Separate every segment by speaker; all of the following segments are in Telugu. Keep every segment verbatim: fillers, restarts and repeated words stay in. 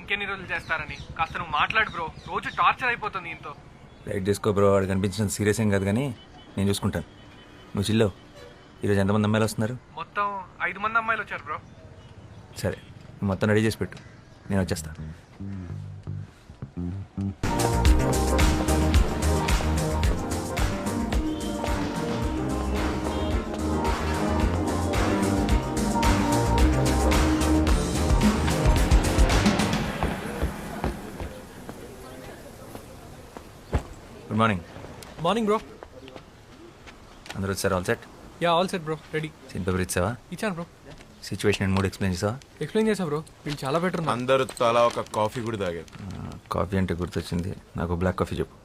Speaker 1: ఇంకెన్ని రోజులు చేస్తారని. కాస్త నువ్వు మాట్లాడు బ్రో, రోజు టార్చర్ అయిపోతుంది ఇంతో.
Speaker 2: రైట్ చేసుకో బ్రో, వాడు కనిపించినంత సీరియస్ ఏం కాదు కానీ నేను చూసుకుంటాను. నువ్వు చిల్లో. ఈరోజు ఎంతమంది అమ్మాయిలు వస్తున్నారు?
Speaker 1: మొత్తం ఐదు మంది అమ్మాయిలు వచ్చారు బ్రో.
Speaker 2: సరే, నువ్వు మొత్తం రెడీ చేసి పెట్టు, నేను వచ్చేస్తాను. Good morning.
Speaker 1: Morning bro.
Speaker 2: అందరూ వచ్చారు? All set?
Speaker 1: Yeah all set bro, ready.
Speaker 2: Scene paper ఇచ్చావా?
Speaker 1: ఇచ్చాను bro.
Speaker 2: Situation and mood explain చేసావా?
Speaker 1: ఎక్స్ప్లెయిన్ చేసా బ్రో, వీళ్ళు చాలా బెటర్ ఉన్నారు.
Speaker 3: అందరూ తలా ఒక కాఫీ కూడా తాగారు.
Speaker 2: కాఫీ అంటే గుర్తొచ్చింది, నాకు బ్లాక్ కాఫీ చెప్పు.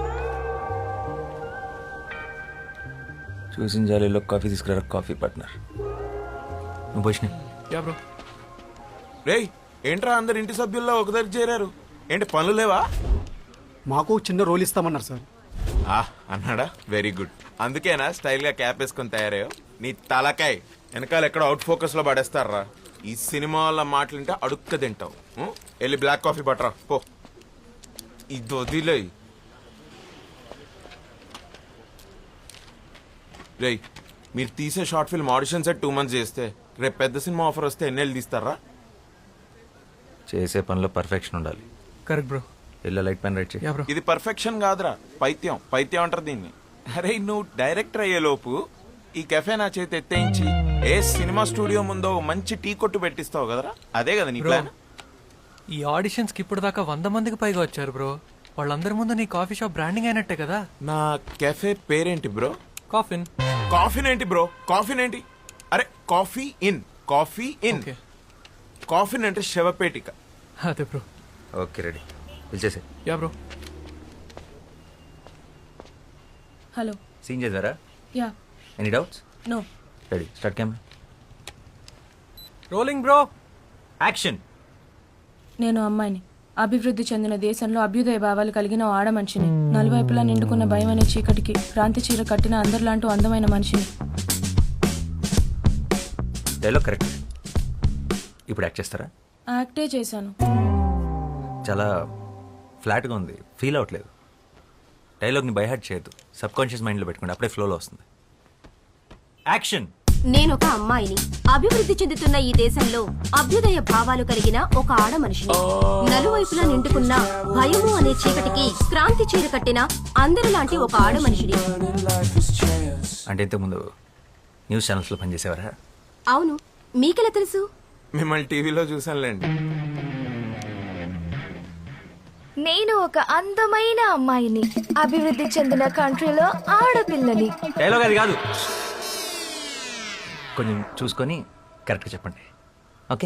Speaker 2: చూసిన జాలీలో కాఫీ తీసుకురా కాఫీ పార్ట్నర్. నువ్వు పోషణ.
Speaker 1: Yeah bro.
Speaker 3: రేయ్ ఏంట్రా అందరు ఇంటి సభ్యుల్లో ఒక దగ్గర చేరారు, ఏంటి పనులు లేవా?
Speaker 4: మాకు చిన్న రోల్ ఇస్తామన్నారు సార్.
Speaker 3: ఆ అన్నాడా, వెరీ గుడ్. అందుకేనా స్టైల్ గా క్యాప్ వేసుకొని తయారయ్యో? నీ తలకాయ్ వెనకాల ఎక్కడ అవుట్ ఫోకస్ లో పడేస్తారా? ఈ సినిమా వాళ్ళ మాటలుంటే అడుక్క తింటావు. ఉం? వెళ్ళి బ్లాక్ కాఫీ పట్టరా పో. ఇది వదిలే. రేయ్ మీరు తీసే short film audition set two months చేస్తే రేపు పెద్ద సినిమా ఆఫర్ వస్తే ఎన్నేళ్ళు తీస్తారా?
Speaker 2: చేసే పనిలో పర్ఫెక్షన్ ఉండాలి.
Speaker 1: Correct bro.
Speaker 2: Yellow light pen write చేయి.
Speaker 1: Yeah bro.
Speaker 3: ఇది పర్ఫెక్షన్ కాదురా, పైత్యం. పైత్యం అంటారు దీన్ని. అరే నువ్వు డైరెక్టర్ అయ్యే లోపు ఈ కెఫే నా చేతి ఎత్తేయించి ఏ సినిమా స్టూడియో ముందో మంచి టీ కొట్టు పెట్టిస్తావు కదరా, అదే కదా నీ ప్లాన్?
Speaker 1: ఈ ఆడిషన్స్ కి ఇప్పుడు దాకా వంద మందికి పైగా వచ్చారు బ్రో. వాళ్ళందరి ముందు నీ కాఫీ షాప్ బ్రాండింగ్ అయినట్టే కదా.
Speaker 3: నా కెఫే పేరేంటి బ్రో?
Speaker 1: కాఫిన్.
Speaker 3: కాఫీన్ ఏంటి బ్రో? కాఫీన్ ఏంటి? అరే coffee in, coffee in.
Speaker 1: Okay.
Speaker 3: Coffin అంటే శవపేటిక.
Speaker 1: అదే బ్రో.
Speaker 2: ఓకే రెడీ, పిలిచేసే.
Speaker 1: Yeah bro.
Speaker 5: హలో.
Speaker 2: సీన్ చేద్దారా?
Speaker 5: Yeah.
Speaker 2: Any doubts?
Speaker 5: No.
Speaker 2: Ready, start camera.
Speaker 1: Rolling bro.
Speaker 2: Action.
Speaker 5: నేను అమ్మాయిని, అభివృద్ధి చెందిన దేశంలో అభ్యుదయ భావాలు కలిగిన ఓ ఆడ మనిషిని, నలువైపులా నిండుకున్న భయం అనే చీకటికి క్రాంతి చీర కట్టిన అందరిలాంటి అందమైన మనిషిని.
Speaker 2: Dialogue correct. ఇప్పుడు యాక్ట్ చేస్తారా?
Speaker 5: యాక్టే చేశాను.
Speaker 2: చాలా ఫ్లాట్గా ఉంది, ఫీల్ అవ్వట్లేదు. డైలాగ్ని బైహార్ట్ చేయొద్దు, సబ్ కాన్షియస్ మైండ్లో పెట్టుకోండి, అప్పుడే ఫ్లోలో వస్తుంది. యాక్షన్.
Speaker 6: నేను ఒక అమ్మాయిని, అభివృద్ధి చెందుతున్న ఈ దేశంలో అభ్యుదయ భావాలు కలిగిన ఒక ఆడ మనిషిని, నలువైపులా నిండుకున్న భయము అనే చీకటికి క్రాంతి చీర కట్టిన అందరిలాంటి ఒక ఆడ మనిషిని.
Speaker 2: అంటే ఇంతకుముందు న్యూస్ ఛానల్స్లో పనిచేసేవారా?
Speaker 6: అవును, మీకెలా తెలుసు?
Speaker 3: మిమ్మల్ని టీవీలో చూసానులేండి.
Speaker 7: నేను ఒక అందమైన అమ్మాయిని, అభివృద్ధి చెందిన కంట్రీలో ఆడపిల్లని.
Speaker 2: డైలాగ్ అది కాదు, కొంచెం చూసుకొని కరెక్ట్గా చెప్పండి. ఓకే.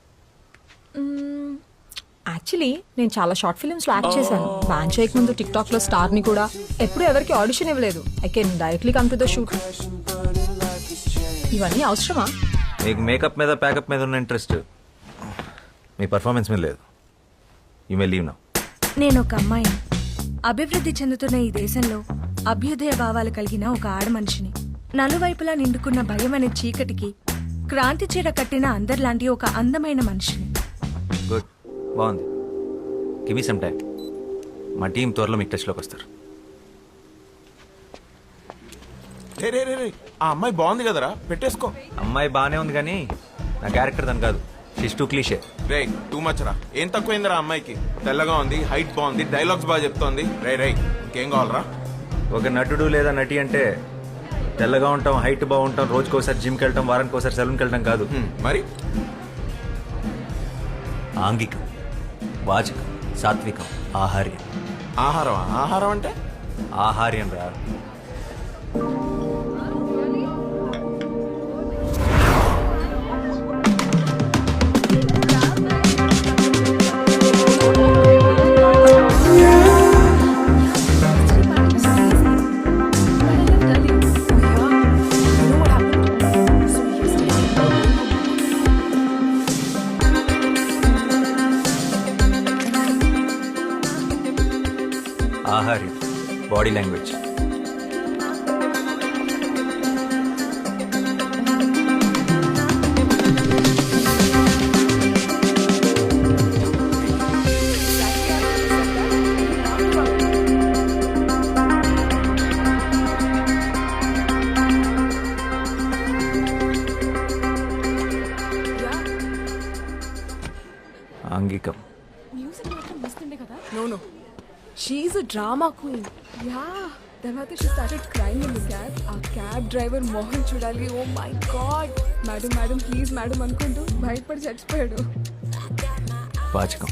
Speaker 8: యాక్చువల్లీ నేను చాలా షార్ట్ ఫిల్మ్స్లో యాక్ట్ చేశాను. బ్యాన్ చేయక ముందు టిక్ టాక్లో స్టార్ని కూడా. ఎప్పుడు ఎవరికి ఆడిషన్ ఇవ్వలేదు. I can directly come to the shoot. ఇవన్నీ అవసరమా?
Speaker 2: మీకు మేకప్ మీద ప్యాకప్ మీద ఉన్న ఇంట్రెస్ట్ మీ పర్ఫార్మెన్స్ మీద లేదు. You may leave now.
Speaker 7: నేను ఒక అమ్మాయిని, అభివృద్ధి చెందుతున్న ఈ దేశంలో అభ్యుదయ భావాలు కలిగిన ఒక ఆడ మనిషిని, నలువైపులా నిండుకున్న భయం అనే చీకటికి క్రాంతి చీర కట్టిన అందరిలాంటి ఒక అందమైన మనిషిని.
Speaker 2: గుడ్, బాగుంది. Give me some time. మా టీం త్వరలో మీకు టచ్లోకి వస్తారు.
Speaker 3: రే రే రే రే ఆ అమ్మాయి బాగుంది కదరా, పెట్టేసుకో.
Speaker 2: అమ్మాయి బాగానే ఉంది కానీ నా క్యారెక్టర్ దాని కాదు. షిష్ టూ క్లీషే.
Speaker 3: రే టూ మచ్ రా. ఏం తక్కువైందిరా అమ్మాయికి? తెల్లగా ఉంది, హైట్ బాగుంది, డైలాగ్స్ బాగా చెప్తోంది. రే రే ఇంకేం కావాలరా?
Speaker 2: ఒక నటుడు లేదా నటి అంటే తెల్లగా ఉంటాం, హైట్ బాగుంటాం, రోజుకోసారి జిమ్కి వెళ్ళటం, వారానికి ఒకసారి సెలూన్కి వెళ్ళటం కాదు.
Speaker 3: హ్మ్, మరి
Speaker 2: ఆంగికం, వాచకం, సాత్వికం, ఆహార్యం.
Speaker 3: ఆహారం? ఆహారం అంటే
Speaker 2: ఆహార్యం రా. ఆహార్యం, body language.
Speaker 7: She a drama queen. Yeah, తర్వాత she started crime in the cab. ఆ క్యాబ్ డ్రైవర్ మోహన్ చూడాలి. Oh my god, madam madam please madam అనుకుంటూ భయపడి చచ్చిపోయాడు.
Speaker 2: వాచకం.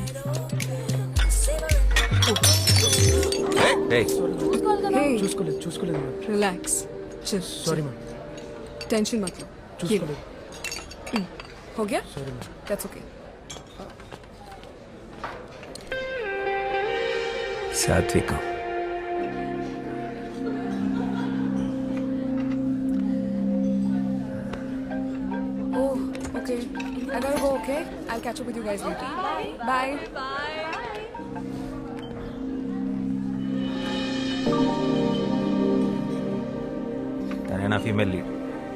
Speaker 2: Hey.
Speaker 7: హే,
Speaker 4: చూసుకోలేదు చూసుకోలేదు madam.
Speaker 7: Relax, chill.
Speaker 4: Sorry madam.
Speaker 7: Tension मत लो.
Speaker 4: చూసుకోలేదు.
Speaker 7: हो गया?
Speaker 4: Sorry madam.
Speaker 7: That's okay.
Speaker 2: సాత్వికం.
Speaker 7: Oh, okay. I gotta go, okay? I'll catch up with you guys later. Bye.
Speaker 2: తనే నా female lead.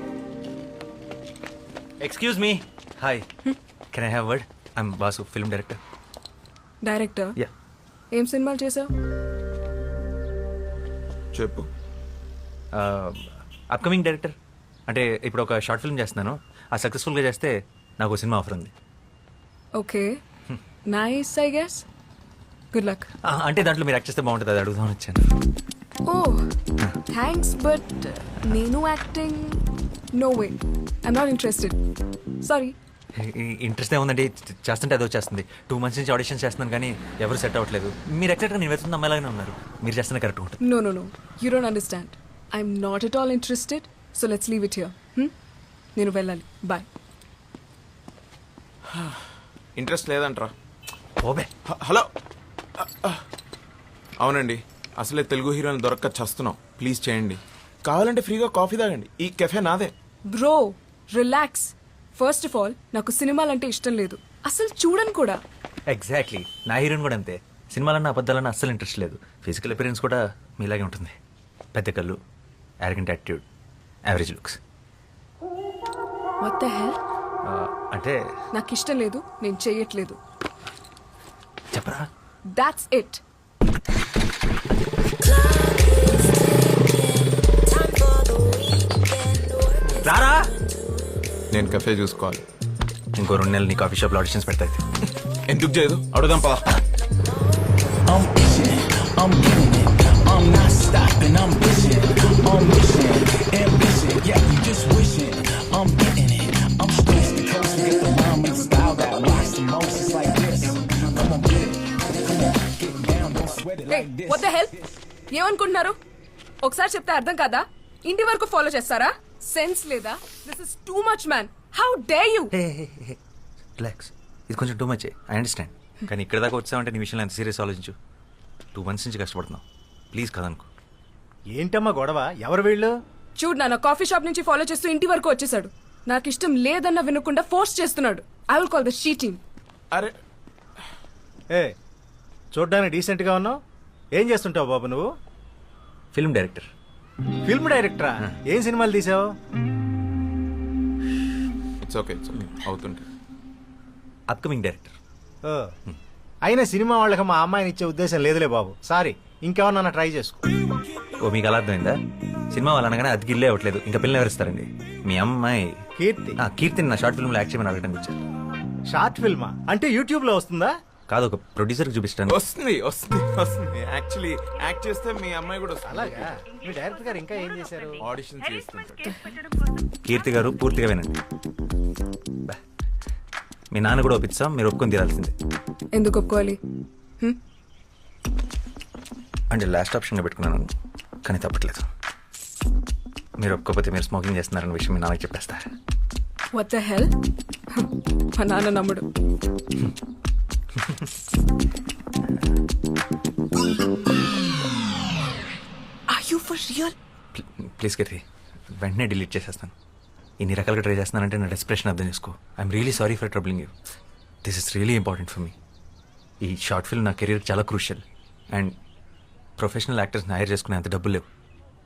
Speaker 2: Excuse me. Hi, can I have word? I'm Basu, film director.
Speaker 7: Director,
Speaker 2: yeah.
Speaker 7: ఏం సినిమాలు చేసావు?
Speaker 3: చెప్పు.
Speaker 2: Upcoming director. అంటే ఇప్పుడు ఒక షార్ట్ ఫిల్మ్ చేస్తున్నాను. ఆ సక్సెస్ఫుల్గా చేస్తే నాకు ఒక సినిమా ఆఫర్ ఉంది.
Speaker 7: Okay, nice I guess. Good luck.
Speaker 2: ఆ, అంటే దాంట్లో మీరు యాక్ట్ చేస్తే బాగుంటుంది, అది అడుగుదామని వచ్చాను.
Speaker 7: ఓ థ్యాంక్స్, బట్ నేను acting no way, I'm not interested. Sorry.
Speaker 2: Interest ఏముందండి, చేస్తుంటే అదో చేస్తుంది. టూ మంత్స్ నుంచి ఆడిషన్ చేస్తున్నాను కానీ ఎవరు సెట్ అవ్వట్లేదు. మీరు ఎక్సెక్ట్గా నేను వెళ్తున్న అమ్మాయిలాగానే ఉన్నారు. మీరు చేస్తున్న కరెక్ట్ ఉంటుంది.
Speaker 7: No, no, no. You don't understand. I'm not at all interested. So let's leave it here. Hmm? నేను వెళ్ళాలి. Bye.
Speaker 3: ఇంట్రెస్ట్ లేదంట్రా.
Speaker 2: ఓబే.
Speaker 3: హ- హలో అవునండి, అసలే తెలుగు హీరోని దొరక్క చస్తున్నాం. ప్లీజ్ చేయండి. కావాలంటే ఫ్రీగా కాఫీ తాగండి. ఈ కెఫే నాదే.
Speaker 7: Bro, relax. First of all, నాకు సినిమాలంటే ఇష్టం లేదు. అసలు చూడను కూడా.
Speaker 2: ఎగ్జాక్ట్లీ, నా హీరోయిన్ కూడా అంతే. సినిమాలన్నా అబద్ధాలన్నా అస్సలు ఇంట్రెస్ట్ లేదు. ఫిజికల్ అపిరెన్స్ కూడా మీలాగే ఉంటుంది. పెద్ద కళ్ళు, arrogant attitude, average looks.
Speaker 7: What the hell?
Speaker 2: అంటే
Speaker 7: నాకు ఇష్టం లేదు, నేను చెయ్యట్లేదు.
Speaker 2: చెప్పరా?
Speaker 7: That's it.
Speaker 2: రారా.
Speaker 3: నేను కెఫే చూసుకోవాలి.
Speaker 2: ఇంకో రెండు నెలలు నీ కాఫీ షాప్లో ఆడిషన్స్ పెడతాయి.
Speaker 3: ఎందుకు చేయదు? అడుగుదాం పదా.
Speaker 9: I'm itching, I'm getting it, I'm not stopping, I'm bitching, I'm wishing, ambition, yeah, you just wishing, I'm getting it, I'm coast to coast, get the rhyme and style that rocks the most, it's like this, come on, get it, come on, get down, don't sweat it
Speaker 7: Hey,
Speaker 9: like this.
Speaker 7: what the hell? ఏమనుకుంటున్నారు? ఒకసారి చెప్తే అర్థం కాదా? ఇంటి వరకు ఫాలో చేస్తారా? సెన్స్ లేదా? This is too much man. How dare you?
Speaker 2: Relax, ఇది కొంచెం టూ మచ్. ఐ అండర్స్టాండ్, కానీ ఇక్కడ దాకా వచ్చావంటే నీ విషయంలో ఎంత సీరియస్ ఆలోచించు. టూ మంత్స్ నుంచి కష్టపడుతున్నావు. ప్లీజ్ కదనుకో.
Speaker 10: ఏంటమ్మా గొడవ? ఎవరు వీళ్ళు?
Speaker 7: చూడు, నా కాఫీ షాప్ నుంచి ఫాలో చేస్తూ ఇంటి వరకు వచ్చేసాడు. నాకు ఇష్టం లేదన్న వినకుండా ఫోర్స్ చేస్తున్నాడు. I will call the sheeting.
Speaker 3: అరే
Speaker 10: ఏ చూడ్డానికి డీసెంట్గా ఉన్నావు. ఏం చేస్తుంటావు బాబు నువ్వు?
Speaker 2: Film director.
Speaker 10: ఫిల్మ్ డైరెక్టరా? ఏం సినిమాలు తీసావు?
Speaker 3: ఇట్స్ ఓకే, ఇట్స్ ఓకే, అవుతుంటే.
Speaker 2: Upcoming director.
Speaker 10: ఓ, అయినా సినిమా వాళ్ళకి మా అమ్మాయిని ఇచ్చే ఉద్దేశం లేదులే బాబు. సారీ, ఇంకెవరన్నా ట్రై చేసుకో.
Speaker 2: ఓ, మీకు అలా అర్థమైందా? సినిమా వాళ్ళు అనగానే అది గిల్లే అవ్వట్లేదు, ఇంకా పిల్లలు ఎవరిస్తారండి? మీ అమ్మాయి
Speaker 10: కీర్తి.
Speaker 2: ఆ, కీర్తిని నా షార్ట్ ఫిల్మ్లో యాక్ట్ చేయమని అడగడానికి వచ్చారు.
Speaker 10: షార్ట్ ఫిల్మా? అంటే యూట్యూబ్ లో వస్తుందా?
Speaker 2: కాదు, ఒక ప్రొడ్యూసర్కి చూపిస్తాను.
Speaker 3: వస్తుంది వస్తుంది వస్తుంది. యాక్చువల్లీ యాక్ట్ చేస్తే మీ అమ్మాయి కూడా వస్తుంది.
Speaker 10: అలాగా? మీ డైరెక్టర్ గారు ఇంకా ఏం చేశారు?
Speaker 3: ఆడిషన్ చేస్తుంటాడు.
Speaker 2: కీర్తి గారు పూర్తిగా వినండి. బా. మీ నాన్న కూడా ఒప్పిస్తాం, మీరు ఒప్పుకొని తీరాల్సిందే.
Speaker 7: ఎందుకు ఒప్పుకోవాలి? హ్మ్?
Speaker 2: అంటే లాస్ట్ ఆప్షన్గా పెట్టుకున్నాను, కానీ తప్పట్లేదు. మీరు ఒప్పుకోకపోతే మీరు స్మోకింగ్ చేస్తున్నారన్న విషయం మీ నాన్నకి చెప్పేస్తా.
Speaker 7: What the hell? మా నాన్న నమ్ముడు. Are you for real?
Speaker 2: Please Keerthi, వెంటనే డిలీట్ చేసేస్తాను. ఇన్ని రకాలుగా ట్రై చేస్తున్నానంటే నా డెస్ప్రెషన్ అర్థం చేసుకో. I'm really sorry for troubling you. This is really important for me. ఈ షార్ట్ ఫిల్మ్ నా కెరీర్ చాలా క్రూషియల్. అండ్ ప్రొఫెషనల్ యాక్టర్స్ని హైర్ చేసుకునే అంత డబ్బులు లేవు.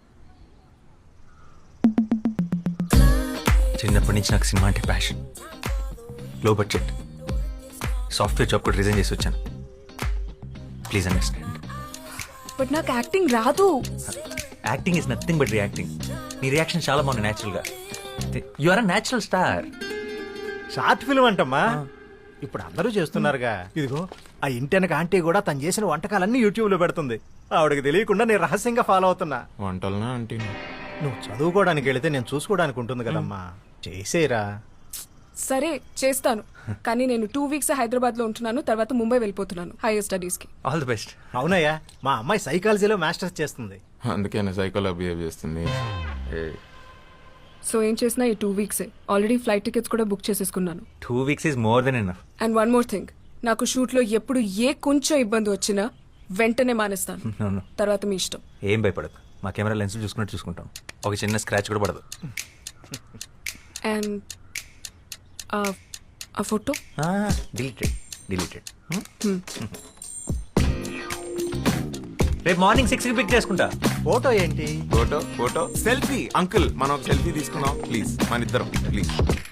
Speaker 2: చిన్నప్పటి నుంచి నాకు సినిమా అంటే passion. Low budget software job కూడా రిజైన్ చేసి వచ్చాను. Please understand.
Speaker 7: బట్ నాకు యాక్టింగ్ రాదు.
Speaker 2: Acting is nothing but reacting. నీ రియాక్షన్ చాలా బాగుంది న్యాచురల్గా. You are a natural star.
Speaker 10: Short film అంటమ్మా, ఇప్పుడు అందరూ చేస్తున్నారుగా. ఇదిగో ఆ ఇంటెనక ఆంటీ కూడా తను చేసిన వంటకాలన్నీ యూట్యూబ్లో పెడుతుంది. ఆవిడకి తెలియకుండా నేను రహస్యంగా ఫాలో అవుతున్నా.
Speaker 3: వంటలనా అంటే
Speaker 10: నువ్వు చదువుకోవడానికి వెళితే నేను చూసుకోవడానికి ఉంటుంది కదమ్మా. చేసేరా.
Speaker 5: సరే చేస్తాను, కానీ నేను టూ వీక్స్ హైదరాబాద్ లో ఉంటున్నాను, తర్వాత ముంబై వెళ్ళిపోతున్నాను హైయర్ స్టడీస్ కి.
Speaker 2: All the best.
Speaker 10: అవునయ్యా, మా అమ్మాయి సైకాలజీలో మాస్టర్స్ చేస్తుంది.
Speaker 3: అందుకేనా సైకోలో బిహేవ్ చేస్తుంది.
Speaker 5: సో ఏం చేసినా ఈ టూ వీక్సే. ఆల్రెడీ ఫ్లైట్ టికెట్స్ కూడా బుక్ చేసేసుకున్నాను.
Speaker 2: Two weeks is more than enough.
Speaker 5: And one more thing, నాకు షూట్ లో ఎప్పుడు ఏ కొంచెం ఇబ్బంది వచ్చినా వెంటనే మానేస్తాను.
Speaker 2: No, no.
Speaker 5: తర్వాత మీ ఇష్టం.
Speaker 2: ఏం భయపడదు, మా కెమెరా లెన్స్ చూసుకున్నట్టు చూసుకుంటాం. ఒక చిన్న స్క్రాచ్ కూడా పడదు.
Speaker 5: అండ్ ఆ ఫోటో
Speaker 2: డిలీటెడ్ డిలీటెడ్. రేపు మార్నింగ్ సిక్స్కి పిక్ చేసుకుంటా.
Speaker 10: ఫోటో ఏంటి?
Speaker 3: Photo photo selfie. అంకుల్ మనం ఒక సెల్ఫీ తీసుకున్నాం ప్లీజ్, మన ఇద్దరం ప్లీజ్.